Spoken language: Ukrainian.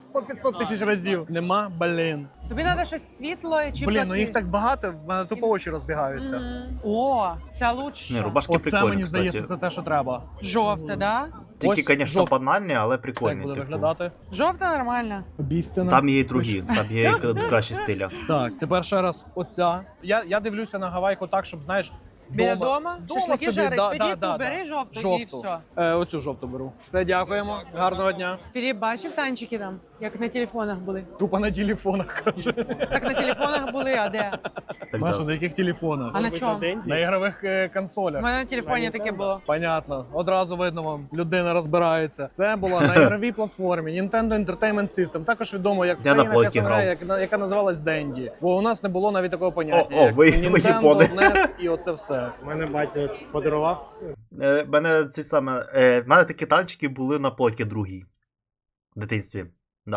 по 500 тисяч разів. Нема, блін. Тобі треба щось світле чи Блін, ну їх так багато, в мене тупо очі розбігаються. О, ця лучше. Не, рубашки Оце, прикольні, мені кстати. здається, це те, що треба. Жовте, да? Тільки, Ось звісно, жовт- банальні, але Так прикольні. буде типу. виглядати. Жовте нормально. Обіцяно. Там є і другі, там є і кращі стиля. Так, тепер ще раз оця. Я дивлюся на гавайку так, щоб, знаєш, Біля дома? Шашлики собі, жарить, да, тоді да, ту да, бери да. жовту, і Жовту. все. Оцю жовту беру. Все, дякуємо. Гарного дня. Філіп, бачив танчики там, як на телефонах були? Тупо на телефонах, каже. Так на телефонах були, а де? Так, Маша, да. на яких телефонах? А на чому? На ігрових У консолях. мене на телефоні таке було. Понятно, одразу видно вам, людина розбирається. Це була на ігровій платформі Nintendo Entertainment System, також відомо як в Я на країнах плойці СНГ, яка називалась Dendy. Бо у нас не було навіть такого поняття. О, як ви Nintendo, япони. NES і оце все. У мене батя подарував. В мене такі танчики були на плойки другій. В дитинстві.